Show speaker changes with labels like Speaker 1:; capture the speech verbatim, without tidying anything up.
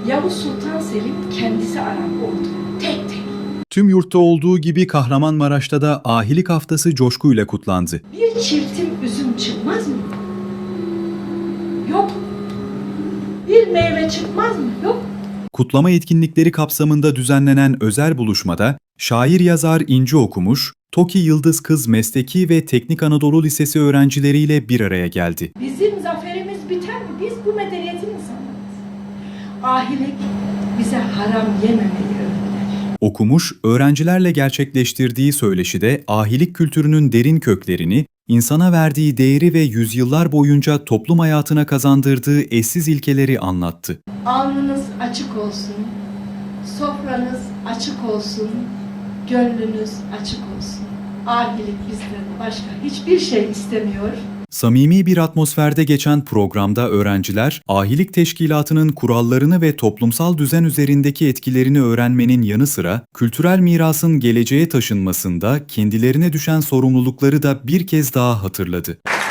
Speaker 1: Yavuz Sultan Selim kendisi Arap oldu. Tek tek.
Speaker 2: Tüm yurtta olduğu gibi Kahramanmaraş'ta da ahilik haftası coşkuyla kutlandı.
Speaker 1: Bir çiftim üzüm çıkmaz mı? Yok. Bir meyve çıkmaz mı? Yok.
Speaker 2: Kutlama etkinlikleri kapsamında düzenlenen özel buluşmada şair yazar İnci Okumuş, TOKİ Yıldız Kız Mesleki ve Teknik Anadolu Lisesi öğrencileriyle bir araya geldi.
Speaker 1: Bizim zaferimiz biter mi? Biz bu medeniyetin insanlarıyız. Ahilik bize haram yememeyi öğretir.
Speaker 2: Okumuş, öğrencilerle gerçekleştirdiği söyleşide ahilik kültürünün derin köklerini, insana verdiği değeri ve yüzyıllar boyunca toplum hayatına kazandırdığı eşsiz ilkeleri anlattı.
Speaker 1: Alnınız açık olsun, sofranız açık olsun, gönlünüz açık olsun. Ahilik bizden başka hiçbir şey istemiyor.
Speaker 2: Samimi bir atmosferde geçen programda öğrenciler, ahilik teşkilatının kurallarını ve toplumsal düzen üzerindeki etkilerini öğrenmenin yanı sıra, kültürel mirasın geleceğe taşınmasında kendilerine düşen sorumlulukları da bir kez daha hatırladı.